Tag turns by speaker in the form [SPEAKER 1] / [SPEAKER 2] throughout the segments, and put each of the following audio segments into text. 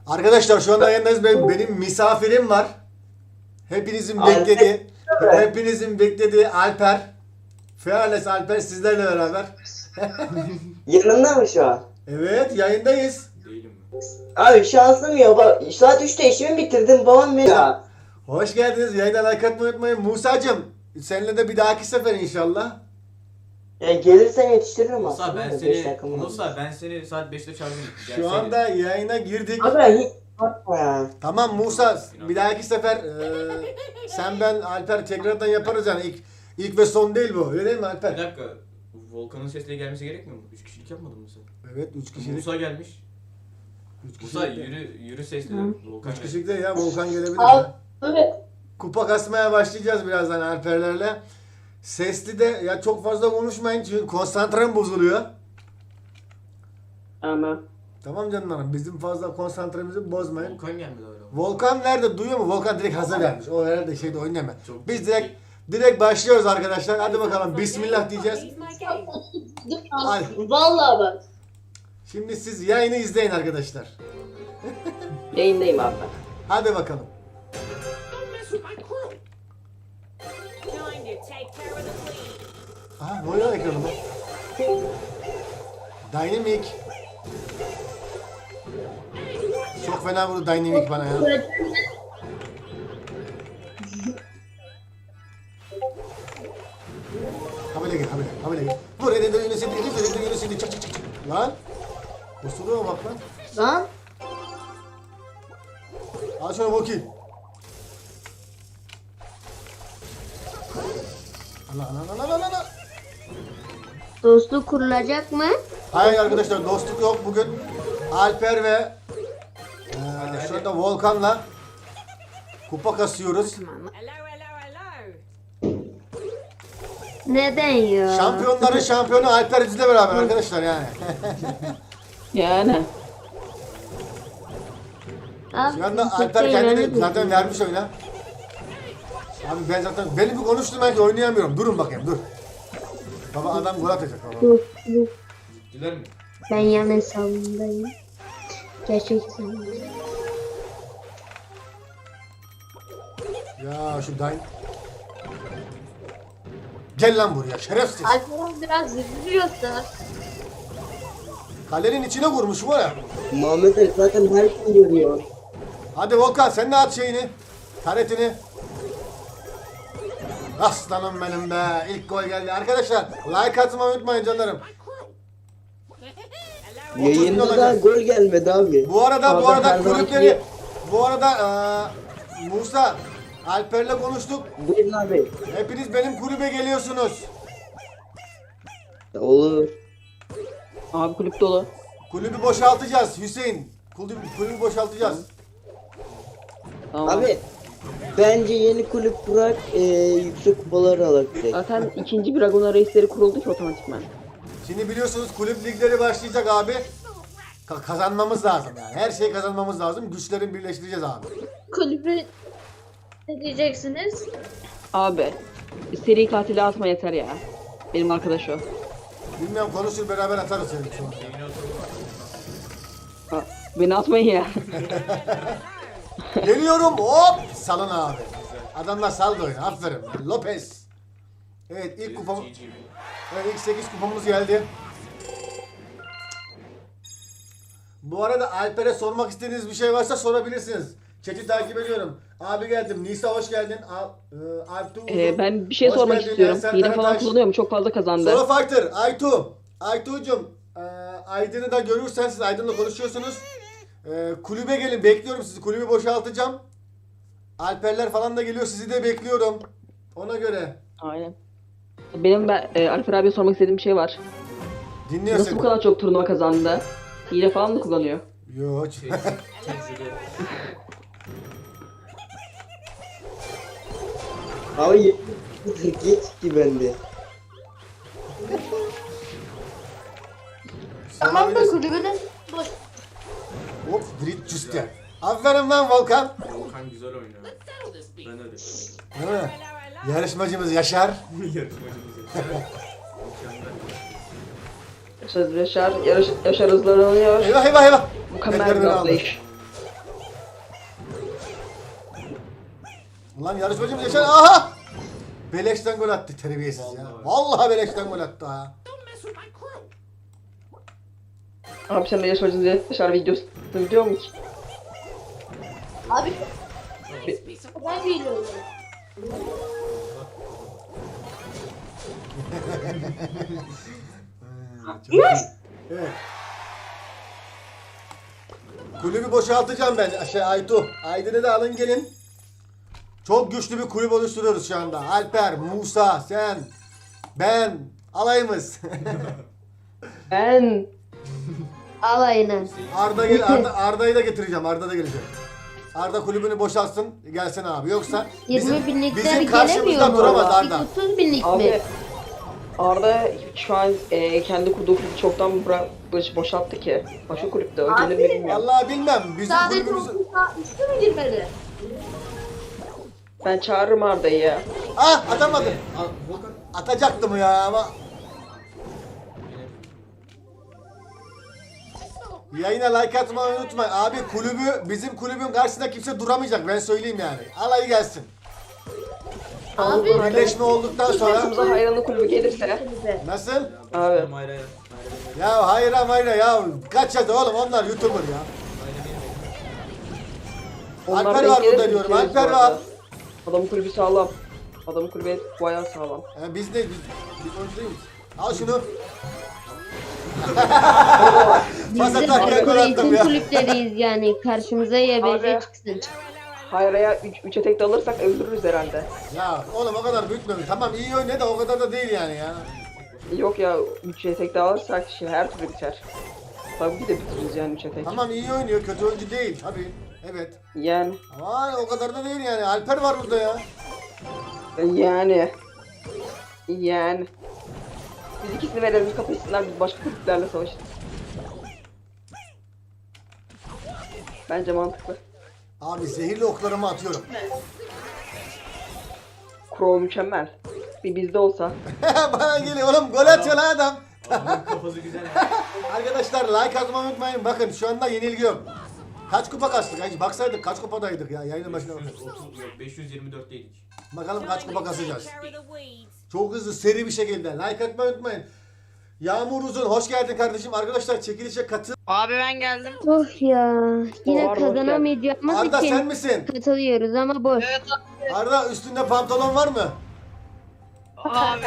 [SPEAKER 1] Arkadaşlar şu anda yayındayız. Benim misafirim var. Hepinizin beklediği Alper. Fearless Alper sizlerle beraber.
[SPEAKER 2] Yanında mı şu an?
[SPEAKER 1] Evet, yayındayız.
[SPEAKER 3] Değilim mi?
[SPEAKER 2] Abi şansım ya. Bak, saat 3'te işimi bitirdim. Babam beni... Ya.
[SPEAKER 1] Hoş geldiniz. Yayına like atmayı unutmayın. Musa'cığım, seninle de bir dahaki sefer inşallah.
[SPEAKER 2] Ya gelirsen yetiştiririm
[SPEAKER 3] Musa
[SPEAKER 2] aslında.
[SPEAKER 3] ben
[SPEAKER 2] Beş
[SPEAKER 3] seni
[SPEAKER 2] dakikamı alır.
[SPEAKER 3] Musa ben seni saat 5'te çağırayım.
[SPEAKER 1] Şu anda yayına girdik.
[SPEAKER 2] Abi hiç bakma ya.
[SPEAKER 1] Tamam Musa, bir dahaki sefer sen ben Alper tekrardan yaparız yani ilk ve son değil bu. Öyle değil mi
[SPEAKER 3] bir
[SPEAKER 1] Alper?
[SPEAKER 3] dakika. Volkan'ın sesle gelmesi gerekmiyor mu? 3 kişilik yapmadın mı sen?
[SPEAKER 1] Evet, 3 kişilik.
[SPEAKER 3] Musa gelmiş.
[SPEAKER 1] 3
[SPEAKER 3] Musa
[SPEAKER 1] kişilik.
[SPEAKER 3] yürü sesle. Volkan
[SPEAKER 1] 3
[SPEAKER 3] gelmiş.
[SPEAKER 1] kişilik de ya Volkan gelebilir.
[SPEAKER 2] Abi.
[SPEAKER 1] Kupa kasmaya başlayacağız birazdan Alperlerle. Sesli de ya çok fazla konuşmayın çünkü konsantrem bozuluyor.
[SPEAKER 2] Ama.
[SPEAKER 1] Tamam canlarım, bizim fazla konsantremizi bozmayın.
[SPEAKER 3] Volkan gelmedi hala.
[SPEAKER 1] Volkan nerede, duyuyor mu? Volkan direkt hazır vermiş. O herhalde şeyde oynayamaz.
[SPEAKER 3] Çok
[SPEAKER 1] Biz
[SPEAKER 3] ciddi.
[SPEAKER 1] direkt başlıyoruz arkadaşlar. Hadi bakalım, Bismillah diyeceğiz. Hadi.
[SPEAKER 2] Vallahi bak.
[SPEAKER 1] Şimdi siz yayını izleyin arkadaşlar.
[SPEAKER 2] Yayındayım abi.
[SPEAKER 1] Hadi bakalım. Aha, ne oluyor ekranımda? Dynamic. Çok fena vurdu Dynamic bana ya. Habele gel, habele gel. Vur, elinde yönü çak. Lan. Kusuruyor bak lan.
[SPEAKER 2] Lan.
[SPEAKER 1] Al şunu bakayım. Allah.
[SPEAKER 4] Dostluk kurulacak mı?
[SPEAKER 1] Hayır arkadaşlar, dostluk yok bugün. Alper ve şu anda Volkan'la kupa kasıyoruz.
[SPEAKER 4] Neden ya?
[SPEAKER 1] Şampiyonların şampiyonu Alper bizle beraber arkadaşlar yani.
[SPEAKER 2] Yani.
[SPEAKER 4] Abi,
[SPEAKER 1] Şu anda
[SPEAKER 4] kimse
[SPEAKER 1] Alper kendini
[SPEAKER 4] inanır
[SPEAKER 1] zaten
[SPEAKER 4] mı?
[SPEAKER 1] vermiş oyuna. Abi ben zaten beni bir konuşturmayın ki oynayamıyorum. Durun bakayım, dur. Baba adam gol atacak baba.
[SPEAKER 4] Dur.
[SPEAKER 3] Gittiler mi?
[SPEAKER 4] Ben yan hesabımdayım. Gerçek hesabımdayım.
[SPEAKER 1] Ya şu Dain. Gel lan buraya şerefsiz.
[SPEAKER 4] Alper biraz üzülüyorsa.
[SPEAKER 1] Kalenin içine vurmuş var ya.
[SPEAKER 2] Muhammed Ali zaten her şeyi görüyor.
[SPEAKER 1] Hadi Volkan sen de at şeyini. Taretini. Aslanım benim be. İlk gol geldi. Arkadaşlar like atmayı unutmayın canlarım.
[SPEAKER 2] Yayında da
[SPEAKER 1] olacak.
[SPEAKER 2] gol gelmedi abi.
[SPEAKER 1] Bu arada
[SPEAKER 2] Abi her zamanki
[SPEAKER 1] kulüpleri Musa Alper'le konuştuk.
[SPEAKER 2] Buyurun abi.
[SPEAKER 1] Hepiniz benim kulübe geliyorsunuz.
[SPEAKER 2] Olur.
[SPEAKER 5] Abi kulüp dolu.
[SPEAKER 1] Kulübü boşaltacağız Hüseyin. Kulübü boşaltacağız.
[SPEAKER 5] Tamam.
[SPEAKER 2] Abi bence yeni kulüp bırak yüksek kupaları alak direkt.
[SPEAKER 5] Zaten ikinci bir Dragon Race'leri kuruldu ki otomatikman.
[SPEAKER 1] Şimdi biliyorsunuz kulüp ligleri başlayacak abi. Kazanmamız lazım yani. Her şeyi kazanmamız lazım. Güçlerin birleştireceğiz abi.
[SPEAKER 4] Kulübü ne diyeceksiniz?
[SPEAKER 5] Abi seri katili atma yeter ya. Benim arkadaş o.
[SPEAKER 1] Bilmiyorum, konuşur beraber atarız seni sonra.
[SPEAKER 5] Ha, beni atmayın ya.
[SPEAKER 1] Geliyorum, hop salın abi. Adamlar saldı oyunu, aferin. Lopez. Evet, ilk kupamız.
[SPEAKER 3] GG.
[SPEAKER 1] Evet, ilk 8 kupamız geldi. Bu arada Alper'e sormak istediğiniz bir şey varsa sorabilirsiniz. Chat'i takip ediyorum. Abi geldim. Nisa hoş geldin. Alptu.
[SPEAKER 5] Ben bir şey
[SPEAKER 1] Hoş
[SPEAKER 5] sormak
[SPEAKER 1] geldin.
[SPEAKER 5] istiyorum.
[SPEAKER 1] Ensar
[SPEAKER 5] Hile falan
[SPEAKER 1] Karataş.
[SPEAKER 5] kullanıyor mu? Çok fazla kazandı.
[SPEAKER 1] Sola Fighter. Aytu. Aytu'cum. Aydın'ı da görürsen siz Aydın'la konuşuyorsunuz. Kulübe gelin. Bekliyorum sizi. Kulübü boşaltacağım. Alperler falan da geliyor. Sizi de bekliyorum. Ona göre.
[SPEAKER 5] Aynen. Benim Alper abiye sormak istediğim bir şey var.
[SPEAKER 1] Dinliyor
[SPEAKER 5] Nasıl
[SPEAKER 1] seni.
[SPEAKER 5] bu kadar çok turnuva kazandı? Hile falan mı kullanıyor?
[SPEAKER 1] Yok.
[SPEAKER 3] Tecrübe.
[SPEAKER 2] Abi geç ki bende.
[SPEAKER 4] Tamam da kulübünün boş.
[SPEAKER 1] Hop, Drit Juste. Aferin lan Volkan.
[SPEAKER 3] Volkan güzel oynuyor. Ben öyle.
[SPEAKER 1] Değil mi? Yarışmacımız Yaşar.
[SPEAKER 3] Yarışmacımız ya. Mükemmel.
[SPEAKER 5] Yaşar hızlanıyor.
[SPEAKER 1] Eyvah.
[SPEAKER 5] Mükemmel
[SPEAKER 1] Tekrar
[SPEAKER 5] bir
[SPEAKER 1] beni aldı.
[SPEAKER 5] atlayış.
[SPEAKER 1] Lan yarışmacımız Yaşar. Aha! Beleşten gol attı terbiyesiz ya. Vallahi beleşten gol attı ha.
[SPEAKER 5] Abi sen de yarışmacınız Yaşar videosu biliyor musun ki?
[SPEAKER 4] Abi ben geliyorum.
[SPEAKER 1] Çok iyi. Evet. Kulübü boşaltacağım ben. Aytu. Aydın'ı da alın gelin. Çok güçlü bir kulüp oluşturuyoruz şu anda. Alper, Musa, sen, ben, alayımız.
[SPEAKER 5] Ben
[SPEAKER 4] Alayına.
[SPEAKER 1] Arda Arda'yı da getireceğim. Arda da gelecek. Arda kulübünü boşaltsın. Gelsin abi. Yoksa
[SPEAKER 4] 20 binlikler
[SPEAKER 1] bizim karşımızda
[SPEAKER 4] gelemiyor mu?
[SPEAKER 1] duramaz Arda.
[SPEAKER 4] 30 binlik mi?
[SPEAKER 5] abi Arda şu an kendi kurduğu kulübü çoktan boşalttı ki. Başka kulüpte o gelir mi bilmiyorum.
[SPEAKER 1] Vallahi bilmem. Bizim
[SPEAKER 4] Sadece
[SPEAKER 1] kulübümüz...
[SPEAKER 4] 30 üstü mü girmedi?
[SPEAKER 5] Ben çağırırım Arda'yı ya.
[SPEAKER 1] Ah atamadım.
[SPEAKER 3] Volkan.
[SPEAKER 1] Atacaktım ya ama. Yayına like atmayı unutmayın. Abi bizim kulübün karşısında kimse duramayacak. Ben söyleyeyim yani. Alayı gelsin.
[SPEAKER 4] Abi
[SPEAKER 1] Birleşme olduktan sonra.
[SPEAKER 5] Başımıza hayranlı kulübü gelirse.
[SPEAKER 1] Nasıl?
[SPEAKER 5] Abi.
[SPEAKER 3] Hayır hayır.
[SPEAKER 1] Ya hayır ya. Kaç yazdı oğlum onlar YouTuber ya.
[SPEAKER 5] Onlar
[SPEAKER 1] Alper
[SPEAKER 5] denk
[SPEAKER 1] var
[SPEAKER 5] gelir
[SPEAKER 1] burada
[SPEAKER 5] mi
[SPEAKER 1] diyorum.
[SPEAKER 5] bilmiyoruz
[SPEAKER 1] Alper
[SPEAKER 5] bu arada.
[SPEAKER 1] var.
[SPEAKER 5] Adamın kulübü sağlam. Adamın kulübü bayağı sağlam.
[SPEAKER 1] Biz oyuncu değil miyiz? Al şunu.
[SPEAKER 4] biz
[SPEAKER 1] Pas
[SPEAKER 4] de
[SPEAKER 1] atarken gol attım
[SPEAKER 4] eğitim
[SPEAKER 1] ya.
[SPEAKER 4] kulüpleriyiz yani. Karşımıza YBC
[SPEAKER 5] Abi.
[SPEAKER 4] çıksın.
[SPEAKER 5] Hayra'ya 3 etek de alırsak öldürürüz herhalde.
[SPEAKER 1] Ya oğlum o kadar büyütme. Tamam iyi oynuyor da o kadar da değil yani ya.
[SPEAKER 5] Yok ya 3 etek de alırsak şimdi her türlü biter. Tabii ki de bitiririz yani 3 etek.
[SPEAKER 1] Tamam iyi oynuyor. Kötü oyuncu değil. Tabii. Evet.
[SPEAKER 5] Yani.
[SPEAKER 1] Ama o kadar da değil yani. Alper var burada ya.
[SPEAKER 5] Yani. Biz ikisini verelim kapışsınlar biz başka kulüplerle savaşırız. Bence mantıklı.
[SPEAKER 1] Abi zehirli oklarımı atıyorum.
[SPEAKER 5] Crow mükemmel. Bir bizde olsa.
[SPEAKER 1] Bana geliyor oğlum gol atıyor lan adam.
[SPEAKER 3] Adamın kafası güzel.
[SPEAKER 1] Arkadaşlar like atmayı unutmayın. Bakın şu anda yenilgi yok. Kaç kupa kastık? Hiç baksaydık kaç kupadaydık ya yayının başına.
[SPEAKER 3] 530 yok 524'teydik.
[SPEAKER 1] Bakalım kaç kupa kasacağız. Çok hızlı seri bir şekilde. Like atmayı unutmayın. Yağmur Uzun hoş geldin kardeşim. Arkadaşlar çekilişe katıl.
[SPEAKER 6] Abi ben geldim.
[SPEAKER 4] Of ya. Yine
[SPEAKER 5] Var,
[SPEAKER 4] kazanamayacağımız
[SPEAKER 1] Arda sen
[SPEAKER 4] için
[SPEAKER 1] misin?
[SPEAKER 4] katılıyoruz ama boş.
[SPEAKER 6] Evet
[SPEAKER 1] Arda üstünde pantolon var mı?
[SPEAKER 6] abi.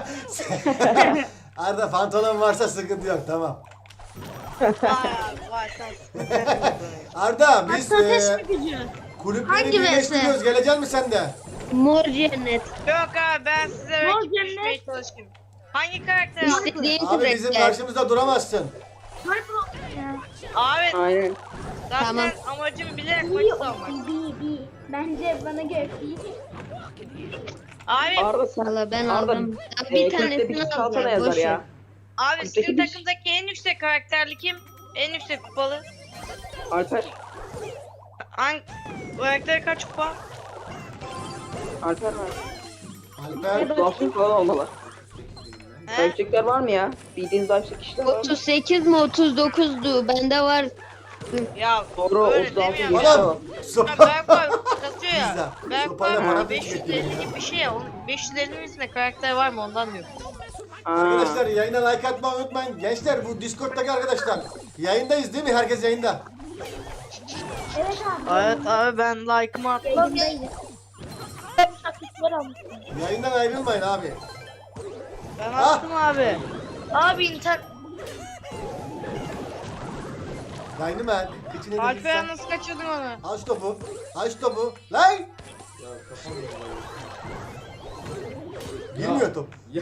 [SPEAKER 1] Arda pantolon varsa sıkıntı yok tamam.
[SPEAKER 6] Vay abi vay sen.
[SPEAKER 1] Arda biz
[SPEAKER 4] gücü.
[SPEAKER 1] kulüpleri
[SPEAKER 4] Hangi
[SPEAKER 1] birleştiriyoruz. Gelecek misin sen de?
[SPEAKER 4] Mor cennet.
[SPEAKER 6] Yok abi ben size rakip düşmeye çalışayım. Hangi karakter abi?
[SPEAKER 4] İstediğin
[SPEAKER 1] Abi bizim
[SPEAKER 4] karakter.
[SPEAKER 1] karşımızda duramazsın.
[SPEAKER 6] Abi
[SPEAKER 5] Aynen.
[SPEAKER 6] zaten
[SPEAKER 4] Tamam.
[SPEAKER 6] amacım bilerek maçı savunmak.
[SPEAKER 7] Bence bana göre iyi.
[SPEAKER 6] Abi,
[SPEAKER 5] Arda sen.
[SPEAKER 4] Valla ben
[SPEAKER 5] Arda,
[SPEAKER 4] aldım.
[SPEAKER 5] kulüpte
[SPEAKER 4] Bir
[SPEAKER 5] bir
[SPEAKER 4] tanesini
[SPEAKER 5] kişi kalsana
[SPEAKER 4] aldım.
[SPEAKER 5] yazar
[SPEAKER 4] Boş ver.
[SPEAKER 5] ya.
[SPEAKER 6] abi
[SPEAKER 5] Kulüpteki
[SPEAKER 6] sizin
[SPEAKER 5] bir-
[SPEAKER 6] takımdaki en yüksek karakterli kim? En yüksek kupalı.
[SPEAKER 5] Alper.
[SPEAKER 6] Hangi karakteri kaç kupa?
[SPEAKER 5] Alper var.
[SPEAKER 1] Alper.
[SPEAKER 5] Zafiyet falan olmalı.
[SPEAKER 6] He?
[SPEAKER 5] Yüksekler var mı ya? Bildiğiniz zafiyet kişiler var mı?
[SPEAKER 4] 38 mi 39'du. Bende var.
[SPEAKER 6] Ya
[SPEAKER 5] Doğru,
[SPEAKER 6] öyle
[SPEAKER 5] 36
[SPEAKER 6] demiyorum
[SPEAKER 5] geçti
[SPEAKER 6] ya.
[SPEAKER 5] ama.
[SPEAKER 1] Oğlum.
[SPEAKER 6] Ya Berk abi kasıyor ya.
[SPEAKER 1] Güzel.
[SPEAKER 6] Berk
[SPEAKER 1] Sopayla bana
[SPEAKER 6] abi
[SPEAKER 1] bir şey
[SPEAKER 6] 550 gibi bir şey ya. 550'nin üstünde karakter var mı ondan diyorum.
[SPEAKER 1] Arkadaşlar yayına like atmayı unutmayın. Gençler bu Discord'daki arkadaşlar. Yayındayız değil mi? Herkes yayında.
[SPEAKER 7] Evet abi.
[SPEAKER 6] Evet abi ben like'ımı attım.
[SPEAKER 7] Yayındayız.
[SPEAKER 1] Yayından ayrılmayın abi.
[SPEAKER 6] Ben
[SPEAKER 1] Ah!
[SPEAKER 6] attım abi. Abi
[SPEAKER 1] Yayını ben. Kıçını
[SPEAKER 6] Alper nasıl kaçırdın onu?
[SPEAKER 1] Aç topu. Aç topu. Lan!
[SPEAKER 3] Ya kafam
[SPEAKER 1] Girmiyor top.
[SPEAKER 3] Ya.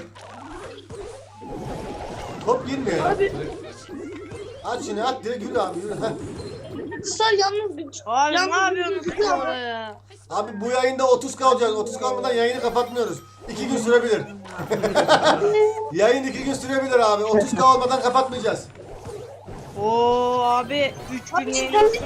[SPEAKER 1] Top girmiyor. At şunu at direkt yürü abi yürü. Heh.
[SPEAKER 7] Sar yalnız bir
[SPEAKER 6] Abi ne yapıyorsunuz oraya?
[SPEAKER 1] Abi bu yayında 30 kalacağız. 30 kalmadan yayını kapatmıyoruz. 2 gün sürebilir. Yayın 2 gün sürebilir abi. 30 olmadan kapatmayacağız.
[SPEAKER 6] Oo abi 3 gün yayındasın.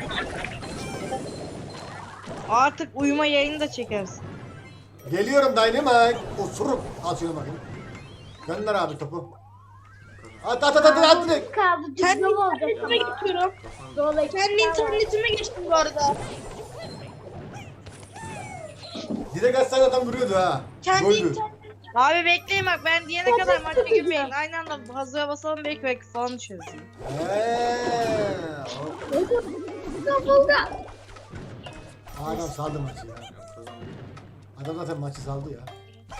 [SPEAKER 6] Artık uyuma yayını da çekersin.
[SPEAKER 1] Geliyorum Dynamite. Osurup. Al şunu bakayım. Gönder abi topu. At direkt.
[SPEAKER 7] kaldı.
[SPEAKER 6] Kendi
[SPEAKER 7] Düzgün olacak
[SPEAKER 6] internetime
[SPEAKER 7] ama.
[SPEAKER 6] geçiyorum.
[SPEAKER 7] Dolayısıyla
[SPEAKER 6] Kendi internetime geçtim bu arada.
[SPEAKER 1] Direkt atsan adam vuruyordu ha. Goldü.
[SPEAKER 6] Abi bekleyin bak ben diyene kadar maça girmeyin. Aynı anda hazıra basalım belki falan düşeriz.
[SPEAKER 1] Adam saldı maçı ya. Adam zaten maçı saldı ya.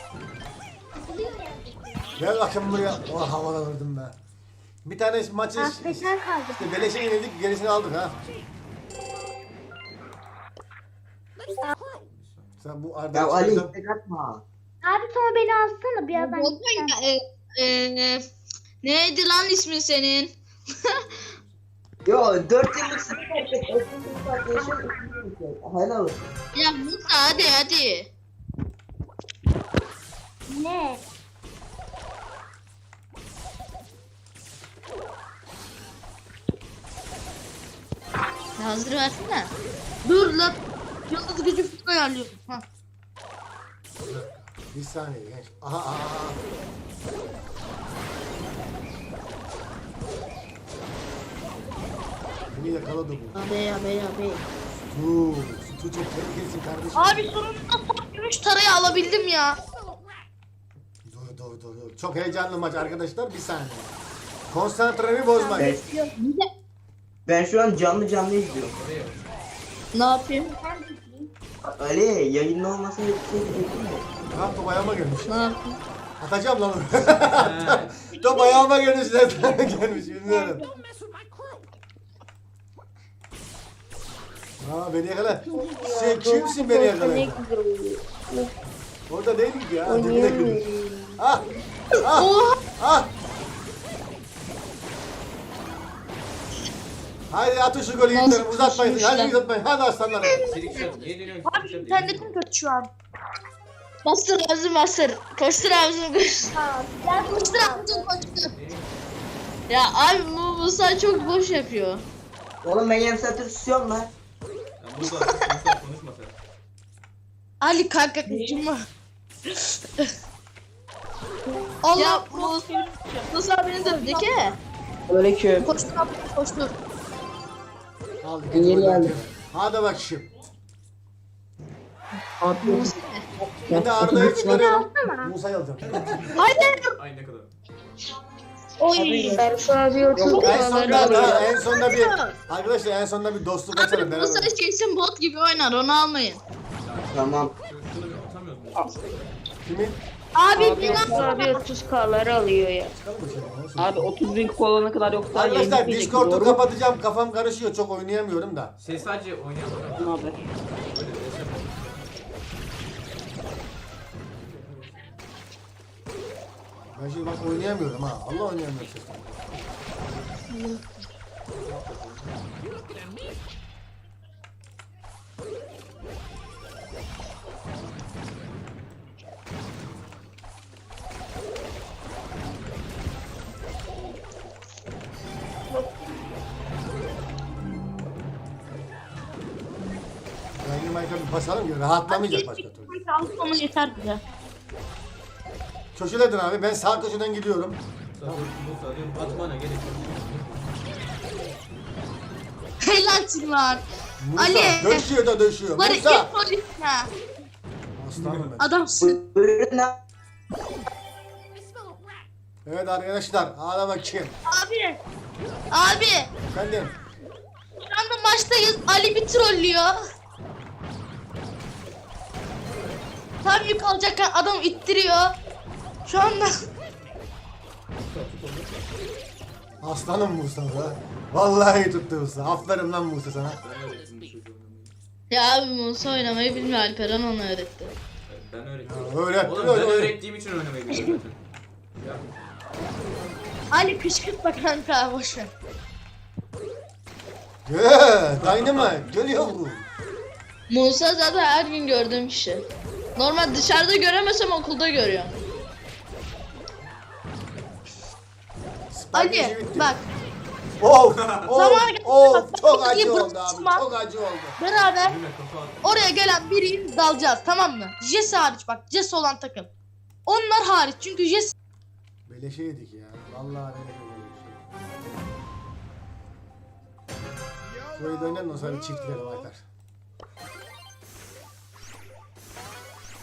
[SPEAKER 1] Gel bakayım buraya. Oh havadan vurdum be. Bir tane maçı
[SPEAKER 7] Affeder kaldı.
[SPEAKER 1] işte beleşe yenildik, gerisini aldık ha. Sen bu Arda
[SPEAKER 2] Ya Ali
[SPEAKER 1] çıkarsan-
[SPEAKER 2] istek atma.
[SPEAKER 7] Abi sonra beni alsana birazdan.
[SPEAKER 8] Neydi lan ismin senin?
[SPEAKER 2] Yo 4 yıllık sınıf yapacak. 4 yıllık arkadaşım. Helal olsun.
[SPEAKER 8] Ya Musa hadi.
[SPEAKER 7] Ne?
[SPEAKER 8] Hazır versene. Dur lan. Yıldız gücü falan ayarlıyorum. Ha.
[SPEAKER 1] Bir saniye genç. Aha. Beni yakaladı bu.
[SPEAKER 8] Abi.
[SPEAKER 1] Su çok tehlikelisin kardeşim.
[SPEAKER 8] Abi sonunda son gümüş tarayı alabildim ya.
[SPEAKER 1] Dur. Çok heyecanlı maç arkadaşlar. Bir saniye. Konsantremi bozmayın.
[SPEAKER 2] Ben şu an canlı izliyorum.
[SPEAKER 8] Ne yapayım?
[SPEAKER 2] Ali yayında olmasın diye bir şey diyecektim de.
[SPEAKER 1] Tamam top ayağıma gelmiş.
[SPEAKER 8] Ne yapayım?
[SPEAKER 1] Atacağım lan onu. Top ayağıma gelmiş. Nereden gelmiş bilmiyorum. Aa beni yakala. Sen kimsin beni yakala? Orada değildik ya. Dibine girdik. Ah. Haydi atın şu golü
[SPEAKER 8] Nasıl
[SPEAKER 1] yiğitlerim. Uzatmayın.
[SPEAKER 8] koşmuşlar?
[SPEAKER 1] Hadi uzatmayın. Hadi aslanlar.
[SPEAKER 3] Silik şat. Niye dönüyorsun?
[SPEAKER 8] Abi
[SPEAKER 3] Silik şat
[SPEAKER 8] internetim kötü şu an. Bastır ağzını bastır. Koştur ağzını koştur. Koştur ağzını koştur. Ya abi bu Musa çok boş yapıyor.
[SPEAKER 2] Oğlum ben yarım saattir susuyorum lan.
[SPEAKER 3] Ya burada konuşma sen.
[SPEAKER 8] Ali kanka kaçırma. Allah Musa beni dövdü ki.
[SPEAKER 5] Aleyküm.
[SPEAKER 8] Koştur abi koştur.
[SPEAKER 1] Al.
[SPEAKER 2] Yeni geldim.
[SPEAKER 1] Hadi bak şimdi.
[SPEAKER 8] Musa.
[SPEAKER 1] Ben de Arda'yı çıkarıyorum. Musa'yı alacağım.
[SPEAKER 3] Ay ne kadar.
[SPEAKER 8] Oy.
[SPEAKER 4] Berfu abi 30
[SPEAKER 1] En
[SPEAKER 4] doları
[SPEAKER 1] sonunda
[SPEAKER 4] alıyor.
[SPEAKER 1] en sonunda bir arkadaşlar en sonunda bir dostluk açalım
[SPEAKER 8] Abi
[SPEAKER 1] beraber.
[SPEAKER 8] Musa kesin bot gibi oynar onu almayın.
[SPEAKER 2] Tamam.
[SPEAKER 3] Şunu bir atamıyoruz mu?
[SPEAKER 1] Kimin?
[SPEAKER 8] Abi
[SPEAKER 4] Berfu abi 30K'ları alıyor ya.
[SPEAKER 5] Abi 30.000 kupa alana kadar yoksa
[SPEAKER 1] Arkadaşlar
[SPEAKER 5] yayın
[SPEAKER 1] Discord'u
[SPEAKER 5] doğru mu?
[SPEAKER 1] kapatacağım. Kafam karışıyor. Çok oynayamıyorum da.
[SPEAKER 3] Şey sadece oynayanlar.
[SPEAKER 5] Abi.
[SPEAKER 1] Ben şimdi bak oynayamıyorum ha. Allah oynayamıyorum sesle. Dynamite'a bir basalım ki rahatlamayacak başka türlü.
[SPEAKER 8] Alsana yeter bize.
[SPEAKER 1] Köşeledin abi. Ben sağ köşeden gidiyorum.
[SPEAKER 3] Musa diyorum atmana gerek yok.
[SPEAKER 8] Helalsin lan.
[SPEAKER 1] Musa
[SPEAKER 8] Ali.
[SPEAKER 1] döşüyor da döşüyor.
[SPEAKER 8] Bari
[SPEAKER 1] Musa.
[SPEAKER 8] ilk polis ya.
[SPEAKER 1] Aslanım ben.
[SPEAKER 8] Adamsın.
[SPEAKER 2] Buyurun lan.
[SPEAKER 1] Evet arkadaşlar. Hadi bakayım.
[SPEAKER 8] Abi.
[SPEAKER 1] Efendim.
[SPEAKER 8] Şu anda maçtayız. Ali bir trollüyor. Tam yük alacakken adam ittiriyor. Şu anda
[SPEAKER 1] Aslanım Musa be. Vallahi tuttu Musa. Aferin lan Musa sana.
[SPEAKER 3] Ben öğrettim bu çocuğu oynamayı.
[SPEAKER 8] ya abi Musa oynamayı bilmiyor, Alperen onu öğretti.
[SPEAKER 3] Ben öğrettim.
[SPEAKER 1] Öğretti.
[SPEAKER 3] Oğlum ben öğrettiğim için oynamayı biliyorum zaten. Ya
[SPEAKER 8] Ali kışkırtma kanka boşver.
[SPEAKER 1] Dynamite. Geliyor bu.
[SPEAKER 8] Musa zaten her gün gördüğüm kişi. Normal dışarıda göremesem okulda görüyorum.
[SPEAKER 1] Spike işi
[SPEAKER 8] Ali
[SPEAKER 1] bitti.
[SPEAKER 8] bak
[SPEAKER 1] Oh,
[SPEAKER 8] Zaman geldi. Bak,
[SPEAKER 1] çok
[SPEAKER 8] bak,
[SPEAKER 1] acı
[SPEAKER 8] bak,
[SPEAKER 1] oldu abi.
[SPEAKER 8] bak.
[SPEAKER 1] Çok acı oldu.
[SPEAKER 8] beraber
[SPEAKER 3] yine kafa at.
[SPEAKER 8] oraya gelen biriyle dalacağız, tamam mı? Jesse hariç, bak Jesse olan takım. Onlar hariç çünkü Jesse
[SPEAKER 1] Beleşe yedik ya. Vallahi beleşe yedik. Şurayı da oynayalım, ondan sonra bir çift girelim Aytar.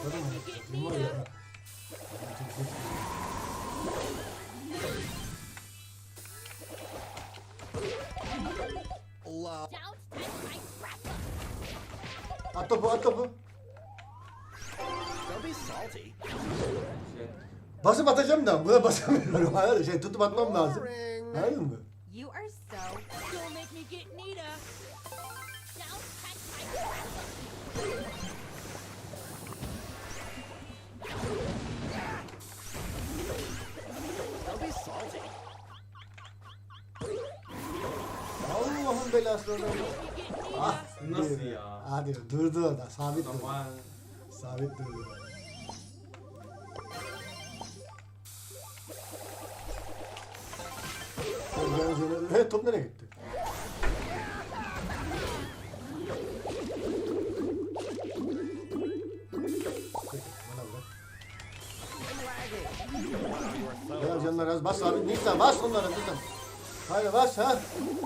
[SPEAKER 1] Patladı mı? Kim var ya? At topu, at topu.
[SPEAKER 3] Şey,
[SPEAKER 1] Basıp atacağım da buna basamıyorum. Hayır, şey tutup atmam lazım. Anladın mı?
[SPEAKER 9] You are so. Don't make me get Nita. Don't touch my
[SPEAKER 1] Allah'ın belası adam. Ah,
[SPEAKER 3] Nasıl ya?
[SPEAKER 1] Hadi durdu orada, sabit durdu.
[SPEAKER 3] Aman.
[SPEAKER 1] Sabit durdu. He, top nereye gitti? Gel canlar az bas abi. Nisa bas onlara kızım. Haydi bas ha.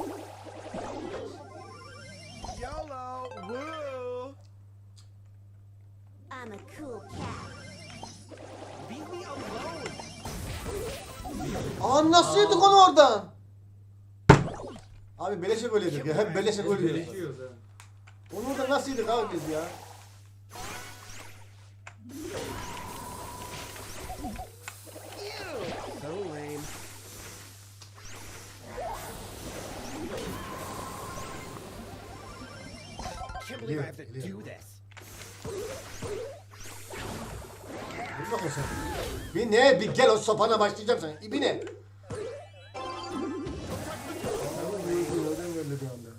[SPEAKER 9] I'm a cool cat.
[SPEAKER 1] Aa nasıl yedik onu oradan? Abi beleşe gol yedik ya. Hep beleşe gol yedik.
[SPEAKER 3] Beleşiyoruz ha.
[SPEAKER 1] Onu da nasıl yedik abi biz ya? Geliyor, geliyor. Dur bakayım sen. Bir ne? Bir gel o sopana başlayacağım sen. Bir ne? Nereden geldi bir anda?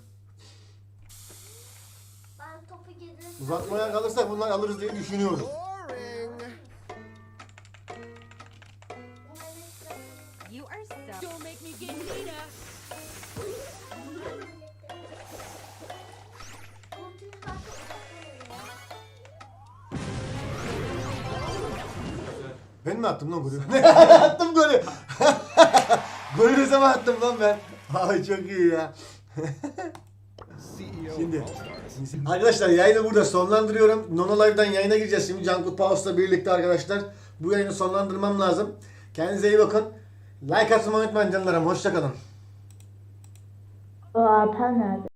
[SPEAKER 7] Ben topu getirdim.
[SPEAKER 1] Uzatmaya kalırsak bunları alırız diye düşünüyorum.
[SPEAKER 9] You are so. Don't make me get Nita.
[SPEAKER 1] Ben mi attım lan golü? Attım golü. Golü ne zaman attım lan ben? Ay çok iyi ya. Şimdi arkadaşlar yayını burada sonlandırıyorum. Nono Live'dan yayına gireceğiz şimdi Cankut Paus'la birlikte arkadaşlar. Bu yayını sonlandırmam lazım. Kendinize iyi bakın. Like atmayı unutmayın canlarım. Hoşçakalın.
[SPEAKER 7] O Alper nerede?